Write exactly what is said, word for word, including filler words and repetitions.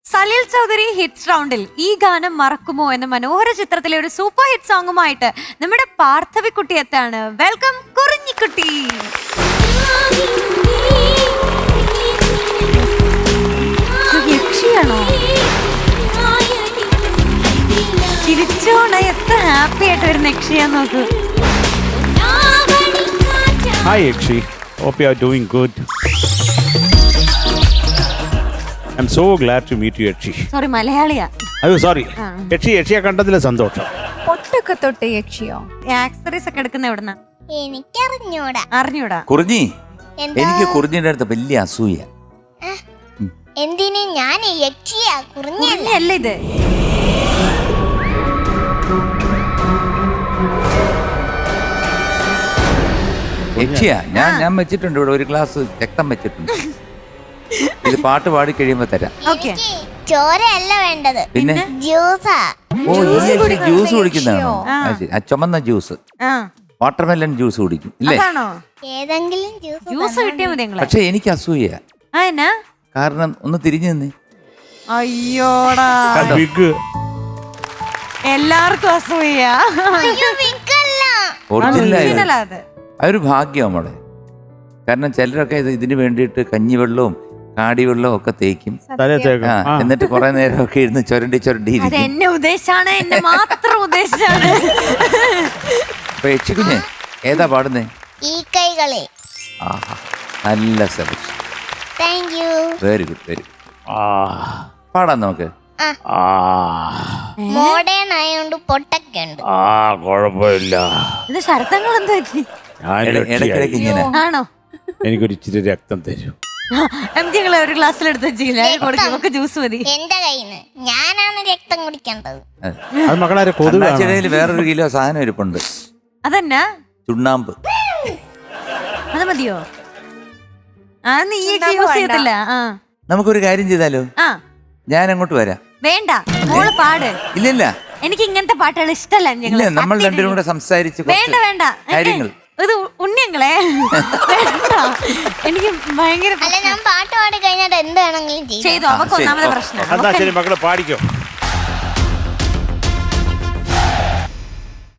Salil Chaudhary hits റൗണ്ടിൽ ഈ ഗാനം മറക്കുമോ എന്ന മനോഹര ചിത്രത്തിലെ ഒരു സൂപ്പർ ഹിറ്റ് സോങ്ങുമായിട്ട് നമ്മുടെ പാർത്ഥവിക്കുട്ടി എത്താണ്. വെൽക്കം കുറിഞ്ഞിക്കുട്ടി. യക്ഷിയാണോ? ചിരിച്ചോണ എത്ര ഹാപ്പി ആയിട്ട് വരുന്ന യക്ഷിയാന്ന് നോക്ക്. Hi Yakshi, hope you are doing good. I'm so glad to meet you Yakshi. Sorry, മലയാളിയാ. അയ്യോ സോറി. യക്ഷി യക്ഷിയെ കണ്ടതിലെ സന്തോഷം. പൊട്ടൊക്കെ തൊട്ട് യക്ഷിയോ? ആക്സറീസ് ഒക്കെ എടുക്കുന്ന എവിടുന്ന? എനിക്കറിഞ്ഞൂടാ. അറിഞ്ഞൂടാ. കുറിഞ്ഞി, എന്താ? എനിക്ക് കുറിഞ്ഞിന്റെ അടുത്ത് വലിയ അസൂയ. എന്തിന്? ഞാൻ യക്ഷിയാ, കുറിഞ്ഞല്ല. അല്ല ഇത്. യക്ഷിയാ ഞാൻ ഞാൻ വെച്ചിട്ടുണ്ട് ഇവിടെ ഒരു ഗ്ലാസ് രക്തം വെച്ചിട്ടുണ്ട്. ഇത് പാട്ട് പാടി കഴിയുമ്പോ തരാം. ഓക്കെ. എനിക്ക് ചോരയല്ല വേണ്ടത്, പിന്നെ ജ്യൂസാ. ഓ ഈ യക്ഷി ജ്യൂസ് കുടിക്കുന്നതാണോ? ആ, ശരി. ആ ചുമന്ന ജ്യൂസ്, ആ വാട്ടർമെലൺ ജ്യൂസ് കുടിക്കും ഇല്ലേ? അതാണോ? ഏതെങ്കിലും ജ്യൂസ് ജ്യൂസ് കിട്ടിയാ മതി നിങ്ങളെ. പക്ഷെ എനിക്ക് അസൂയ. ആ എന്നാ? കാരണം ഒന്ന് തിരിഞ്ഞു നിന്ന്. അയ്യോടാ, ബിഗ് എല്ലാവർക്കും അസൂയ. ഒറിജിനൽ അത് അതൊരു ഭാഗ്യം നമ്മളെ. കാരണം ചിലരൊക്കെ ഇത് ഇതിന് വേണ്ടിയിട്ട് കഞ്ഞിവെള്ളവും കാടിവെള്ളവും ഒക്കെ തേക്കും. ആ, എന്നിട്ട് കുറെ നേരമൊക്കെ ഇരുന്ന് ചുരണ്ടി ചുരണ്ടി അത് ഇരിക്കും. എന്നെ ഉദ്ദേശാണ്, എന്നെ മാത്രം ഉദ്ദേശാണ്. അപ്പൊ യക്ഷിക്കുഞ്ഞെ ഏതാ പാടുന്നേ? ഈ കൈകളെ. ആഹാ, നല്ല selection. Thank you. Very good very good. പാടാം നമുക്ക്. മോഡേൺ ആയോണ്ട് പൊട്ടൊക്കെ ഉണ്ട്. ആ കുഴപ്പമില്ല. ഇത് ശരത്തങ്ങൾ എന്താ പറ്റി? ഞാൻ ഇടയ്ക്കിടയ്ക്ക് ഇങ്ങനെ ആണോ? എനിക്കൊരു ഇച്ചിരി രക്തം തരൂ. എം ജി ഒരു ഗ്ലാസ്സിൽ എടുത്ത് വെച്ചില്ല, കൊടുക്കും ജ്യൂസ് മതി. എന്റെ കയ്യിന്ന് ഞാനാണ് രക്തം കുടിക്കേണ്ടത്. അത് മക്കളാരെ കൊതുക് അണ്ണാച്ചിടയിൽ വേറൊരു കിലോ സാധനം ഇരിപ്പുണ്ട്. അതെന്നാ? ചുണ്ണാമ്പ്. അത് മതിയോ? ആ നീ യൂസ് ചെയ്യത്തില്ല. ആ നമുക്കൊരു കാര്യം ചെയ്താലോ? ആ ഞാൻ അങ്ങോട്ട് വരാം. വേണ്ട, മോള് പാട്. ഇല്ലില്ല എനിക്ക് ഇങ്ങനത്തെ പാട്ടുകൾ ഇഷ്ടല്ല. ഇല്ല, നമ്മൾ രണ്ടുപേരും കൂടെ സംസാരിച്ച് വേണ്ട കുറച്ച് വേണ്ട കാര്യങ്ങൾ. ഇത് ഉണ്ണിയങ്ങളെ വേണ്ട, എനിക്ക് ഭയങ്കര അല്ല, ഞാൻ പാട്ട് പാടി കഴിഞ്ഞാൽ എന്ത് വേണമെങ്കിലും ചെയ്യും. ചെയ്തു. അവക്ക് ഒന്നാമത്തെ പ്രശ്നം. എന്നാ ശരി മക്കളെ പാടിക്കോ.